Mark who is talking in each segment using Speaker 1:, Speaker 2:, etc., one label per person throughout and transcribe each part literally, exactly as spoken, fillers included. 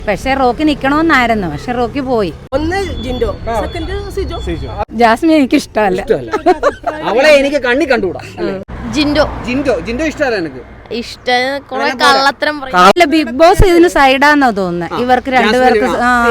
Speaker 1: പക്ഷെ റോക്കി നിക്കണമെന്നായിരുന്നു, പക്ഷെ റോക്കി പോയി.
Speaker 2: ഒന്ന് ജിൻഡോ, സെക്കൻഡ് സിജോ.
Speaker 1: ജാസ്മിൻ എനിക്ക് ഇഷ്ടമല്ല,
Speaker 3: അവളെ എനിക്ക് കണ്ണി കണ്ടുകൂടാ.
Speaker 4: ജിൻഡോ
Speaker 3: ജിൻഡോ ജിൻഡോ ഇഷ്ടമല്ല എനിക്ക്.
Speaker 4: ഇഷ്ടം
Speaker 1: ബിഗ് ബോസ് ഇതിന് സൈഡാന്നോ തോന്നുന്നത് ഇവർക്ക് രണ്ടുപേർക്ക്.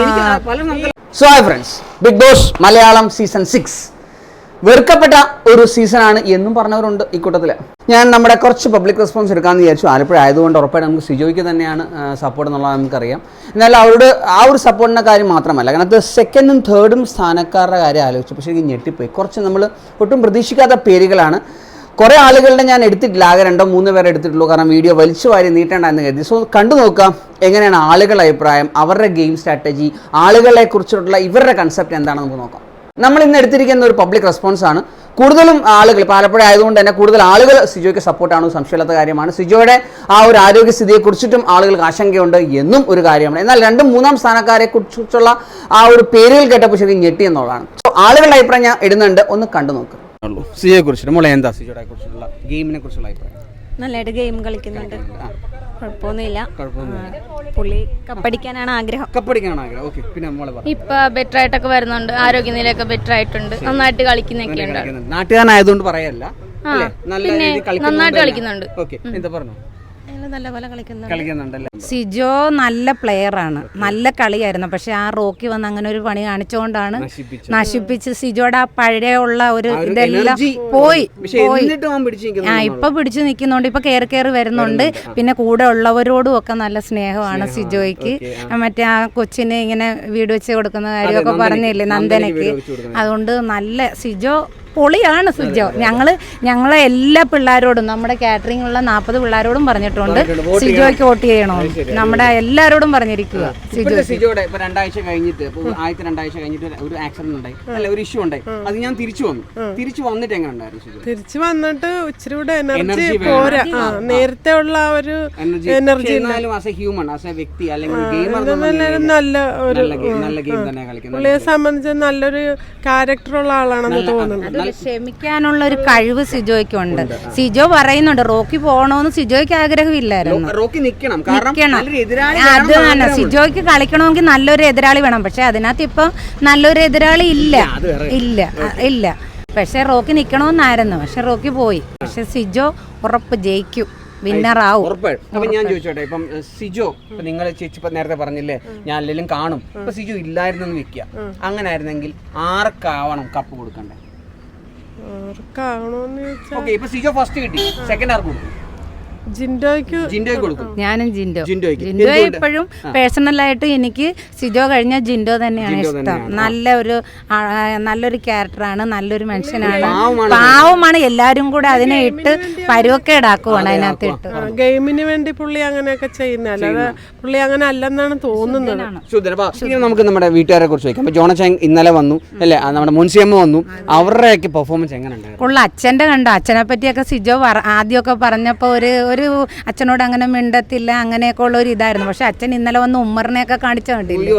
Speaker 3: So hi friends, big boss Malayalam season six വെറുക്കപ്പെട്ട ഒരു സീസണാണ് എന്നും പറഞ്ഞവരുണ്ട് ഈ കൂട്ടത്തിൽ. ഞാൻ നമ്മുടെ കുറച്ച് പബ്ലിക് റെസ്പോൺസ് എടുക്കാമെന്ന് വിചാരിച്ചു. ആലപ്പുഴ ആയതുകൊണ്ട് ഉറപ്പായിട്ട് നമുക്ക് സിജോയ്ക്ക് തന്നെയാണ് സപ്പോർട്ട് എന്നുള്ളത് നമുക്കറിയാം. എന്നാൽ അവരുടെ ആ ഒരു സപ്പോർട്ടിൻ്റെ കാര്യം മാത്രമല്ല, കാരണം അത് സെക്കൻഡും തേർഡും സ്ഥാനക്കാരുടെ കാര്യം ആലോചിച്ചു പക്ഷേ എനിക്ക് ഞെട്ടിപ്പോയി. കുറച്ച് നമ്മൾ ഒട്ടും പ്രതീക്ഷിക്കാത്ത പേരുകളാണ്. കുറേ ആളുകളുടെ ഞാൻ എടുത്തിട്ടില്ല, ആകെ രണ്ടോ മൂന്ന് പേരെ എടുത്തിട്ടുള്ളൂ, കാരണം വീഡിയോ വലിച്ചു വാരി നീട്ടേണ്ടെന്ന് കരുതി. സോ കണ്ടു നോക്കാം എങ്ങനെയാണ് ആളുകളുടെ അഭിപ്രായം, അവരുടെ ഗെയിം സ്ട്രാറ്റജി, ആളുകളെ കുറിച്ചിട്ടുള്ള ഇവരുടെ കൺസെപ്റ്റ് എന്താണെന്ന് നമുക്ക് നോക്കാം. നമ്മൾ ഇന്ന് എടുത്തിരിക്കുന്ന ഒരു പബ്ലിക് റെസ്പോൺസ് ആണ്. കൂടുതലും ആളുകൾ ആലപ്പുഴ ആയതുകൊണ്ട് തന്നെ കൂടുതൽ ആളുകൾ സിജോയ്ക്ക് സപ്പോർട്ടാണ്, സംശയമില്ലാത്ത കാര്യമാണ്. സിജോയുടെ ആ ഒരു ആരോഗ്യസ്ഥിതിയെ കുറിച്ചിട്ടും ആളുകൾക്ക് ആശങ്കയുണ്ട് എന്നും ഒരു കാര്യമാണ്. എന്നാൽ രണ്ടും മൂന്നാം സ്ഥാനക്കാരെ കുറിച്ചുള്ള ആ ഒരു പേരുകൾ കേട്ടപ്പോൾ ശരിക്കും ഞെട്ടി എന്നുള്ളതാണ്. സോ ആളുകളുടെ അഭിപ്രായം ഞാൻ ഇടുന്നുണ്ട്, ഒന്ന് കണ്ടു നോക്കുക. സിജോയെ കുറിച്ചിട്ട് മോളെ എന്താ സിജോയെ കുറിച്ചുള്ള ഗെയിമിനെ കുറിച്ചുള്ള അഭിപ്രായം?
Speaker 4: നല്ലതായിട്ട് ഗെയിം കളിക്കുന്നുണ്ട്, കുഴപ്പമൊന്നുമില്ല. പുള്ളി കപ്പടിക്കാനാണ് ആഗ്രഹം.
Speaker 3: കപ്പടിക്കാനാണ് ആഗ്രഹം. ഓക്കെ, പിന്നെ മോളെ പറ.
Speaker 4: ഇപ്പൊ ബെറ്റർ ആയിട്ടൊക്കെ വരുന്നുണ്ട്, ആരോഗ്യനിലയൊക്കെ ബെറ്റർ ആയിട്ടുണ്ട്, നന്നായിട്ട് കളിക്കുന്നൊക്കെ ഉണ്ട്.
Speaker 3: നാട്ടുകാരനായതുകൊണ്ട് പറയല്ല,
Speaker 4: നന്നായിട്ട് കളിക്കുന്നുണ്ട്.
Speaker 3: ഓക്കെ, എന്താ പറഞ്ഞു?
Speaker 4: നല്ലപോലെ
Speaker 3: കളിക്കുന്നുണ്ടല്ലേ.
Speaker 1: സിജോ നല്ല പ്ലെയർ ആണ്, നല്ല കളിയായിരുന്നു. പക്ഷെ ആ റോക്കി വന്ന് അങ്ങനെ ഒരു പണി കാണിച്ചുകൊണ്ടാണ് നശിപ്പിച്ച് സിജോയുടെ ആ പഴയ ഉള്ള ഒരു ഇതെല്ലാം പോയി പോയി ആ ഇപ്പൊ പിടിച്ചു നിൽക്കുന്നുണ്ട്, ഇപ്പൊ കയറി കയറി വരുന്നുണ്ട്. പിന്നെ കൂടെ ഉള്ളവരോടും ഒക്കെ നല്ല സ്നേഹമാണ് സിജോയ്ക്ക്. മറ്റേ ആ കൊച്ചിന് ഇങ്ങനെ വീട് വെച്ച് കൊടുക്കുന്ന കാര്യമൊക്കെ പറഞ്ഞില്ലേ നന്ദനയ്ക്ക്, അതുകൊണ്ട് നല്ല സിജോ പൊളിയാണ് സിജോ. ഞങ്ങള് ഞങ്ങളെ എല്ലാ പിള്ളേരോടും, നമ്മുടെ കാറ്ററിംഗ് ഉള്ള നാൽപ്പത് പിള്ളേരോടും പറഞ്ഞിട്ടുണ്ട് സിജോയ്ക്ക് വോട്ട് ചെയ്യണോ, നമ്മുടെ എല്ലാരോടും പറഞ്ഞിരിക്കുക.
Speaker 3: സിജോയുടെ ഇപ്പൊ രണ്ടാഴ്ച കഴിഞ്ഞിട്ട് ആദ്യത്തെ രണ്ടാഴ്ച കഴിഞ്ഞിട്ട് ഒരു ആക്സിഡന്റ് ഉണ്ടായി, അല്ല ഒരു ഇഷ്യൂ ഉണ്ടായി. അത് ഞാൻ തിരിച്ചു വന്നു. തിരിച്ചു വന്നിട്ട് എങ്ങനെ ഉണ്ടായിരുന്നു?
Speaker 2: തിരിച്ചു വന്നിട്ട് ഇച്ചിരി കൂടെ എനർജി പോരാ, നേരത്തെ ഉള്ള ആ ഒരു energy.
Speaker 3: As a human, as a വ്യക്തി അല്ലെങ്കിൽ ഗെയിമർ
Speaker 2: നല്ല ഒരു പുള്ളിയെ സംബന്ധിച്ച് നല്ലൊരു ക്യാരക്ടറുള്ള ആളാണെന്ന് തോന്നുന്നു.
Speaker 1: ക്ഷമിക്കാനുള്ള ഒരു കഴിവ് സിജോയ്ക്കുണ്ട്. സിജോ പറയുന്നുണ്ട് റോക്കി പോകണമെന്ന് സിജോയ്ക്ക് ആഗ്രഹമില്ലായിരുന്നു. അത് തന്നെ, സിജോയ്ക്ക് കളിക്കണമെങ്കിൽ നല്ലൊരു എതിരാളി വേണം. പക്ഷെ അതിനകത്ത് ഇപ്പൊ നല്ലൊരു എതിരാളി ഇല്ല ഇല്ല ഇല്ല പക്ഷെ റോക്കി നിക്കണമെന്നായിരുന്നു, പക്ഷെ റോക്കി പോയി. പക്ഷെ സിജോ ഉറപ്പ് ജയിക്കും, വിന്നറാവും.
Speaker 3: അപ്പൊ ഞാൻ ചോദിച്ചോട്ടെ, ഇപ്പം സിജോ നിങ്ങൾ ചേച്ചി നേരത്തെ പറഞ്ഞില്ലേ ഞാൻ അല്ലെങ്കിലും കാണും, ഇപ്പൊ സിജോ ഇല്ലായിരുന്നെന്ന് വെക്കുക, അങ്ങനെ ആയിരുന്നെങ്കിൽ ആർക്കാവണം കപ്പ് കൊടുക്കണ്ടേ? ഇപ്പൊ സിജോ ഫസ്റ്റ് കിട്ടി, സെക്കൻഡ് ആർക്ക് കൊടുക്കും?
Speaker 2: ജിൻഡോയ്ക്ക്
Speaker 3: ജിൻഡോയ്ക്ക് കൊടുക്കും.
Speaker 1: ഞാനും ജിൻഡോ ജിൻഡോ എപ്പോഴും പേഴ്സണലായിട്ട് എനിക്ക് സിജോ കഴിഞ്ഞ ജിൻഡോ തന്നെയാണ് ഇഷ്ടം. നല്ല ഒരു നല്ലൊരു ക്യാരക്ടറാണ്, നല്ലൊരു മനുഷ്യനാണ്, പാവമാണ്. എല്ലാരും കൂടെ അതിനെ ഇട്ട് പരുവക്കേടാക്കുവാണ് അതിനകത്ത് ഇട്ട്.
Speaker 2: ഗെയിമിന് വേണ്ടി പുള്ളി അങ്ങനെയൊക്കെ ചെയ്യുന്ന, അല്ലാതെ പുള്ളി അങ്ങനെ അല്ലെന്നാണ് തോന്നുന്നത്.
Speaker 3: നമുക്ക് നമ്മുടെ വീട്ടുകാരെ കുറിച്ച് ചോദിക്കാം. ജോണച്ചാൻ ഇന്നലെ വന്നു അല്ലെ, നമ്മുടെ മുൻസിയമ്മ വന്നു, അവരുടെയൊക്കെ പെർഫോമൻസ് എങ്ങനെ ഉണ്ടായിരുന്നു?
Speaker 1: ഉള്ള അച്ഛന്റെ കണ്ടോ, അച്ഛനെ പറ്റിയൊക്കെ സിജോ ആദ്യമൊക്കെ പറഞ്ഞപ്പോ ഒരു ഒരു അച്ഛനോട് അങ്ങനെ മിണ്ടത്തില്ല അങ്ങനെയൊക്കെ ഉള്ള ഒരു ഇതായിരുന്നു. പക്ഷെ അച്ഛൻ ഇന്നലെ വന്ന് ഉമ്മറിനെയൊക്കെ കാണിച്ചു കണ്ടില്ലേ,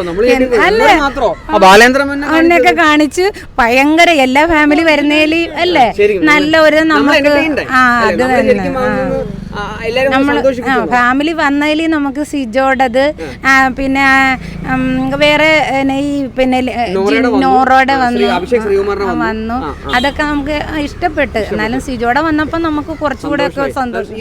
Speaker 1: അവനെയൊക്കെ കാണിച്ച് ഭയങ്കര എല്ലാ ഫാമിലി വരുന്നേല് അല്ലേ നല്ല ഒരു നമുക്ക് ആ അത് തന്നെ നമ്മൾ ഫാമിലി വന്നതിൽ നമുക്ക് സിജോടത് പിന്നെ വേറെ ഈ പിന്നെ നോറോടെ വന്നു വന്നു അതൊക്കെ നമുക്ക് ഇഷ്ടപ്പെട്ട്. എന്നാലും സിജോടെ വന്നപ്പോ നമുക്ക് കുറച്ചുകൂടെ ഒക്കെ സന്തോഷം.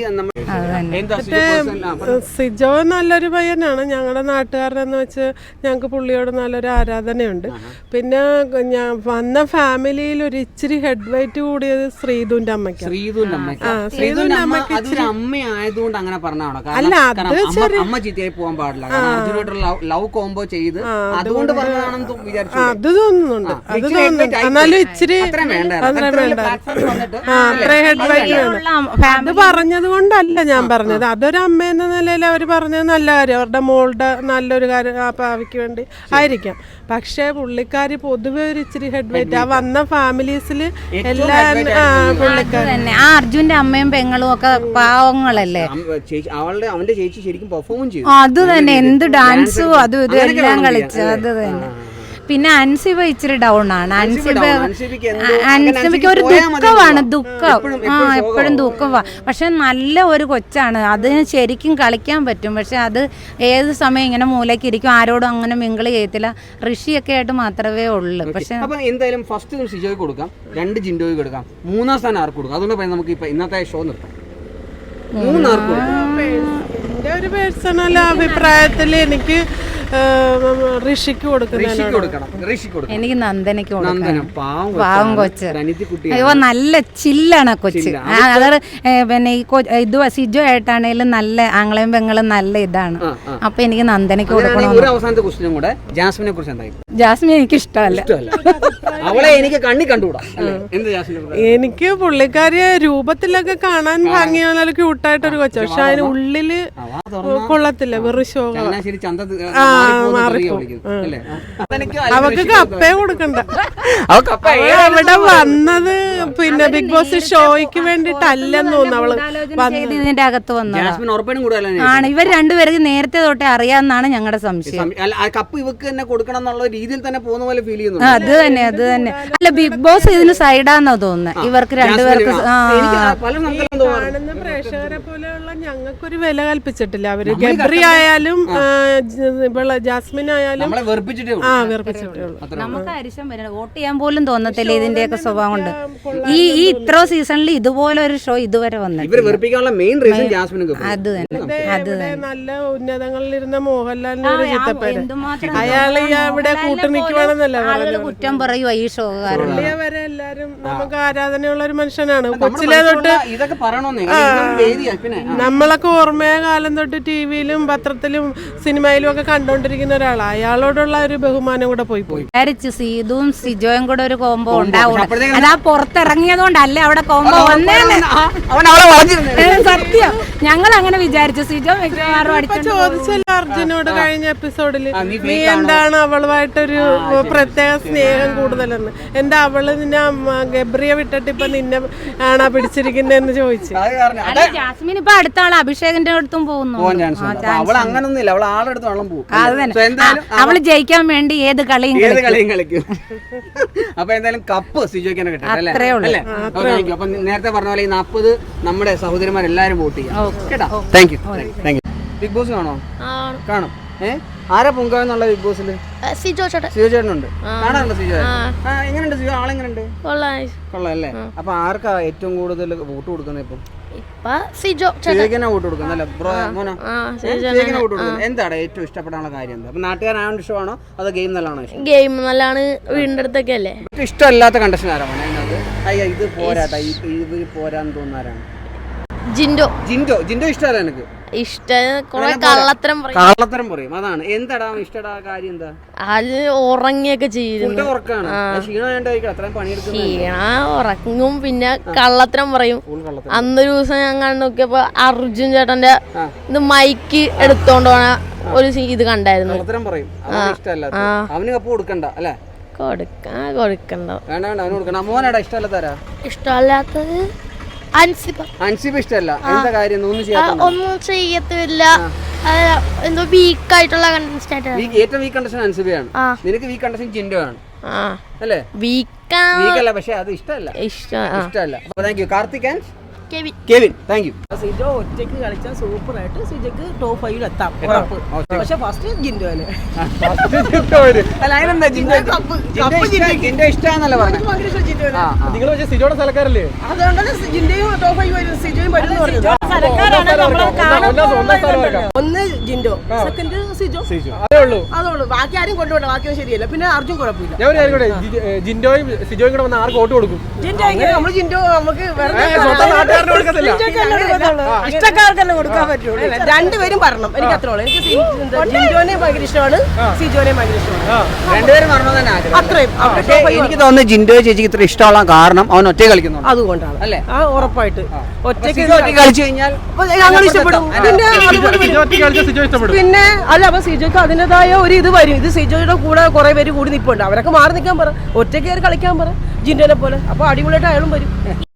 Speaker 2: സിജോ നല്ലൊരു പയ്യനാണ്, ഞങ്ങളുടെ നാട്ടുകാരെന്ന് വെച്ച് ഞങ്ങൾക്ക് പുള്ളിയോട് നല്ലൊരു ആരാധനയുണ്ട്. പിന്നെ ഞാൻ വന്ന ഫാമിലിയിൽ ഒരു ഇച്ചിരി ഹെഡ് വെയിറ്റ് കൂടിയത് ശ്രീധുവിന്റെ അമ്മയ്ക്ക്. ശ്രീധുവിന്റെ അമ്മയ്ക്ക്
Speaker 3: അമ്മയായതുകൊണ്ട് അങ്ങനെ പറഞ്ഞാണോ?
Speaker 2: അല്ല, അത്
Speaker 3: അമ്മ ചീത്തയായി പോകാൻ പാടില്ല, ലവ് കോംബോ ചെയ്ത് അതുകൊണ്ട് പറഞ്ഞതാണെന്ന് വിചാരിച്ചു.
Speaker 2: അത് തോന്നുന്നുണ്ട്, അത് തോന്നുന്നുണ്ട്. എന്നാലും ഇച്ചിരി അത്ര വേണ്ട, അത്ര ഹെഡ് വെയിറ്റ് വേണം. അത് പറഞ്ഞത് കൊണ്ടല്ല ഞാൻ പറഞ്ഞത്, അതൊരു അമ്മ എന്ന നിലയിൽ അവർ പറഞ്ഞത് നല്ല കാര്യം, അവരുടെ മോളുടെ നല്ലൊരു കാര്യം ആ ഭാവിക്ക് വേണ്ടി ആയിരിക്കാം. പക്ഷേ പുള്ളിക്കാരി പൊതുവെ ഒരു ഇച്ചിരി ഹെഡ് വെയിറ്റ് ആ വന്ന ഫാമിലീസിൽ എല്ലാ പുള്ളിക്കാരി
Speaker 1: തന്നെ. ആ അർജുന്റെ അമ്മയും പെങ്ങളും ഒക്കെ പാവങ്ങളല്ലേ,
Speaker 3: അവന്റെ ചേച്ചി ശരിക്കും പെർഫോം ചെയ്തു.
Speaker 1: അത് തന്നെ, എന്ത് ഡാൻസും അതും ഇതും എല്ലാം കളിച്ചു. അത് തന്നെ. പിന്നെ അൻസിബ ഇച്ചിരി ഡൗൺ ആണ്. അൻസിബ അൻസിബയ്ക്ക് ഒരു ദുഃഖമാണ്, ദുഃഖം ആ എപ്പോഴും ദുഃഖമാണ്. പക്ഷെ നല്ല ഒരു കൊച്ചാണ്, അതിന് ശരിക്കും കളിക്കാൻ പറ്റും. പക്ഷെ അത് ഏത് സമയം ഇങ്ങനെ മൂലയ്ക്ക് ഇരിക്കും, ആരോടും അങ്ങനെ മിങ്കിള് ചെയ്യത്തില്ല. ഋഷിയൊക്കെ ആയിട്ട് മാത്രമേ ഉള്ളൂ. പക്ഷെ
Speaker 3: എന്തായാലും ഫസ്റ്റ് സിജോയ്ക്ക് കൊടുക്കാം, രണ്ട് ജിൻഡോയ്ക്ക് കൊടുക്കാം, മൂന്നാം സ്ഥാനം ആർക്ക് കൊടുക്കാം? അതുകൊണ്ട് നമുക്ക് ഇപ്പൊ ഇന്നത്തെ ഷോ നിർത്താം. മൂന്നാർക്ക്
Speaker 2: എന്റെ ഒരു പേഴ്സണൽ അഭിപ്രായത്തിൽ എനിക്ക് ഋഷിക്ക് കൊടുക്കണം.
Speaker 1: എനിക്ക് നന്ദനയ്ക്ക് കൊടുക്കണം. പാവം കൊച്ച്, അയ്യോ നല്ല ചില്ലാണ് കൊച്ച്. അതായത് പിന്നെ ഈ ഇത് സിജോ ആയിട്ടാണേലും നല്ല ആങ്ങളെയും പെങ്ങളും നല്ല ഇതാണ്. അപ്പൊ എനിക്ക് നന്ദനയ്ക്ക് കൊടുക്കണം.
Speaker 3: ഒരു അവസാനത്തെ ക്വസ്റ്റ്യനും കൂടെ, ജാസ്മിനെ കുറിച്ച് എന്തായി?
Speaker 1: ജാസ്മിൻ എനിക്ക് ഇഷ്ടമല്ല,
Speaker 3: അവളെ എനിക്ക് കണ്ണി കണ്ടുകൂടാ.
Speaker 2: എനിക്ക് പുള്ളിക്കാരിയെ രൂപത്തിലൊക്കെ കാണാൻ ഭംഗിയുള്ള ക്യൂട്ടായിട്ടൊരു കൊച്ച, പക്ഷെ അതിന് ഉള്ളില് കൊള്ളത്തില്ല, വെറും ഷോ. അവക്ക് കപ്പേ കൊടുക്കണ്ട. അവിടെ വന്നത് പിന്നെ ബിഗ് ബോസ് ഷോയ്ക്ക് വേണ്ടിട്ടല്ലെന്ന് തോന്നുന്നു അവള്
Speaker 1: ഇതിന്റെ അകത്ത് വന്നത് ആണ്. ഇവർ രണ്ടുപേർക്ക് നേരത്തെ തൊട്ടേ അറിയാമെന്നാണ് ഞങ്ങളുടെ സംശയം.
Speaker 3: കപ്പ് ഇവക്ക് തന്നെ കൊടുക്കണം എന്നുള്ള രീതിയിൽ തന്നെ പോകുന്ന പോലെ ഫീൽ ചെയ്യുന്നു.
Speaker 1: അത് തന്നെ അത് തന്നെ അല്ല, ബിഗ് ബോസ് ഇതിന് സൈഡാന്നാ തോന്നുന്നത്. ഇവർക്ക് രണ്ടുപേർക്ക്
Speaker 2: കാണുന്ന പ്രേക്ഷകരെ പോലെയുള്ള ഞങ്ങൾക്കൊരു വില കൽപ്പിച്ചിട്ടില്ല അവര്. ഗബ്രി ആയാലും ജാസ്മിൻ ആയാലും ആ വെറുപ്പിച്ചിട്ടേ ഉള്ളൂ.
Speaker 1: നമുക്ക് അരിശം വരണം, വോട്ട് ചെയ്യാൻ പോലും തോന്നത്തില്ല ഇതിന്റെയൊക്കെ സ്വഭാവം കൊണ്ട്. ഈ ഈ ഇത്ര സീസണിൽ ഇതുപോലെ ഒരു ഷോ ഇതുവരെ വന്നിട്ട് അത് തന്നെ അത് തന്നെ
Speaker 2: നല്ല ഉന്നതങ്ങളിലിരുന്ന മോഹൻലാലിന്റെ ഒരു ചിത്തപ്പേര്, അയാള് ഇവിടെ കൂട്ടുനിൽക്കുവാണെന്നല്ല
Speaker 1: കുറ്റം പറയുക ഈ ഷോ കാരണം.
Speaker 2: വരെ എല്ലാരും നമുക്ക് ആരാധനയുള്ള ഒരു മനുഷ്യനാണ്. കൊച്ചിലെ തൊട്ട് നമ്മളൊക്കെ ഓർമ്മയ കാലം തൊട്ട് ടിവിയിലും പത്രത്തിലും സിനിമയിലും ഒക്കെ കണ്ടോണ്ടിരിക്കുന്ന ഒരാളാണ്. അയാളോടുള്ള ഒരു ബഹുമാനം കൂടെ പോയി പോയി
Speaker 1: വിചാരിച്ചു സീതും സിജോയും കൂടെ ഒരു കോംബോ ഉണ്ടാവും. അതാ പുറത്തിറങ്ങിയത് കൊണ്ടല്ല അവിടെ കോംബോ വന്നേന്ന് സത്യം. ഞങ്ങൾ അങ്ങനെ വിചാരിച്ചു. സിജോ
Speaker 2: ചോദിച്ചല്ലോ അർജുനോട് കഴിഞ്ഞ എപ്പിസോഡില്, നീ എന്താണ് അവളുമായിട്ടൊരു പ്രത്യേക സ്നേഹം കൂടുതലെന്ന്. എന്താ അവള് നിന്നെ ഗബ്രിയെ വിട്ടിട്ട് ഇപ്പൊ നിന്നെ ആണാ പിടിച്ചിരിക്കുന്നതെന്ന് ചോദിച്ചു.
Speaker 1: ജാസ്മിൻ ഇപ്പൊ അടുത്ത ആള് അഭിഷേകിന്റെ അടുത്തും പോകുന്നു. അത് തന്നെ, അവള് ജയിക്കാൻ വേണ്ടി ഏത് കളിയും
Speaker 3: കളിക്കും. അപ്പൊ എന്തായാലും കപ്പ് സിജോയ്ക്ക് തന്നെ കിട്ടും. അപ്പൊ നേരത്തെ പറഞ്ഞ പോലെ ഈ നാപ്പത് നമ്മുടെ സഹോദരിമാരെല്ലാരും വോട്ട് ചെയ്യാം കേട്ടോ. Thank you thank you. Big boss കാണോ? കാണും. ഏഹ് ആരാ പൊങ്കാവെന്നുള്ള ബിഗ് ബോസില്? സിജോ ചേട്ടൻ. സിജോ ചേട്ടനുണ്ട്, കാണാറുണ്ട് സിജോ. എങ്ങനെയുണ്ട് സിജോ? ആളെങ്ങനെയുണ്ട്? കൊള്ളാം അല്ലേ? അപ്പൊ ആർക്കാ ഏറ്റവും കൂടുതൽ വോട്ട് കൊടുക്കുന്നത് ഇപ്പം? എന്താണ് ഏറ്റവും ഇഷ്ടപ്പെടാനുള്ള കാര്യം? എന്താ? അപ്പൊ നാട്ടുകാരാണ് ഇഷ്ടമാണോ അതോ ഗെയിം നല്ലതാണോ ഇഷ്ടം?
Speaker 4: ഗെയിം നല്ലതാണ്, വീടിന്റെ അടുത്തൊക്കെ അല്ലേ.
Speaker 3: ഇഷ്ടമല്ലാത്ത കണ്ടീഷൻ ആരാണ് അതിനകത്ത്? അയ്യ ഇത് പോരാട്ടാ, ഇത് പോരാന്ന് തോന്നുന്നാരാണ്? ജിൻഡോ. ജിൻഡോ ജിൻഡോ ഇഷ്ടമല്ല എനിക്ക്.
Speaker 4: കള്ളത്തരം
Speaker 3: കള്ളത്തരം പറയും, അതാണ്. എന്താടാ ഇഷ്ടടാ കാര്യം? എന്താ
Speaker 4: അത് ഉറങ്ങിയൊക്കെ ചെയ്യുന്നു. ക്ഷീണ ഉറങ്ങും, പിന്നെ കള്ളത്തരം പറയും. അന്നൊരു ദിവസം ഞാൻ കണ്ടു നോക്കിയപ്പോ അർജുൻ ചേട്ടന്റെ ഇത് മൈക്ക് എടുത്തോണ്ട് പോണ ഒരു ഇത് കണ്ടായിരുന്നു.
Speaker 3: അവന് കപ്പ് കൊടുക്കണ്ട അല്ലേ?
Speaker 4: കൊടുക്കാൻ കൊടുക്കണ്ട.
Speaker 3: വേണ്ട വേണ്ട അവന് കൊടുക്കണ്ട. മോനാടാ ഇഷ്ടമല്ലാത്താരാ?
Speaker 4: ഇഷ്ടമല്ലാത്തത് അൻസിബ.
Speaker 3: അൻസിബ ഇഷ്ടമല്ല. എന്താ കാര്യം?
Speaker 4: ഒന്നും ചെയ്യത്തില്ല, എന്തോ വീക്ക് ആയിട്ടുള്ള കണ്ടസ്റ്റന്റ്.
Speaker 3: ഏറ്റവും വീക്ക് കണ്ടസ്റ്റന്റ് അൻസിബയാണ്. നിനക്ക് വീക്ക് കണ്ടസ്റ്റന്റ് ജിൻഡോ ആണ് അല്ലേ?
Speaker 4: വീക്കല്ല,
Speaker 3: പക്ഷെ അത് ഇഷ്ടമല്ല.
Speaker 4: ഇഷ്ടമല്ല.
Speaker 3: Thank you. Karthik and Kevin, thank you.
Speaker 5: Sijo ഒറ്റയ്ക്ക് കളിച്ചാൽ സൂപ്പർ ആയിട്ട് സിജോക്ക് ടോപ്പ് ഫൈവിൽ എത്താം, ഉറപ്പ്. പക്ഷെ ഫസ്റ്റ് ജിൻഡോ അല്ലേ?
Speaker 3: നിങ്ങൾ സിജോയുടെ സ്ഥലക്കാരല്ലേ?
Speaker 5: അതുകൊണ്ടാണ് ജിൻഡോയും ടോപ്പ് ഫൈവ് വരും, സിജോയും വരും എന്ന് പറഞ്ഞത്. ഒന്ന് ജിൻഡോ, സെക്കൻഡ് സിജോ. അതുള്ളൂ, ബാക്കി ആരും കൊണ്ടുപോകണ്ട. ബാക്കിയും ശരിയല്ല. പിന്നെ അർജുൻ കുഴപ്പമില്ല.
Speaker 3: ജിൻഡോയും സിജോയും കൂടെ വന്ന് ആർക്ക് വോട്ട് കൊടുക്കും?
Speaker 5: ജിൻഡോ നമ്മൾ ജിൻഡോ നമുക്ക് ഇഷ്ടക്കാർക്കല്ലേ കൊടുക്കാൻ പറ്റുള്ളൂ. രണ്ടുപേരും പറയണം. എനിക്ക് അത്രയുള്ളൂ. എനിക്ക് ജിൻഡോനെ ഭയങ്കര ഇഷ്ടമാണ്, സിജോനെ ഭയങ്കര ഇഷ്ടമാണ്.
Speaker 3: രണ്ടുപേരും പറഞ്ഞു തന്നെ
Speaker 5: അത്രയും.
Speaker 3: എനിക്ക് തോന്നുന്നു ജിൻഡോ ചേച്ചിക്ക് ഇത്ര ഇഷ്ടമുള്ള കാരണം അവൻ ഒറ്റ കളിക്കുന്നു,
Speaker 5: അതുകൊണ്ടാണ് അല്ലേ? ആ ഉറപ്പായിട്ട് ഒറ്റയ്ക്ക്
Speaker 3: കളിച്ചു കഴിഞ്ഞാൽ
Speaker 5: ഞങ്ങൾ ഇഷ്ടപ്പെടും. പിന്നെ അല്ല, അപ്പൊ സിജോക്ക് അതിൻ്റെതായ ഒരു ഇത് വരും. ഇത് സിജോയുടെ കൂടെ കുറെ പേര് കൂടി നിൽപ്പുണ്ട്, അവരൊക്കെ മാറി നിൽക്കാൻ പറ, ഒറ്റയ്ക്ക് കയറി കളിക്കാൻ പറ ജിൻഡോനെ പോലെ. അപ്പൊ അടിപൊളിയായിട്ട് അയാളും വരും.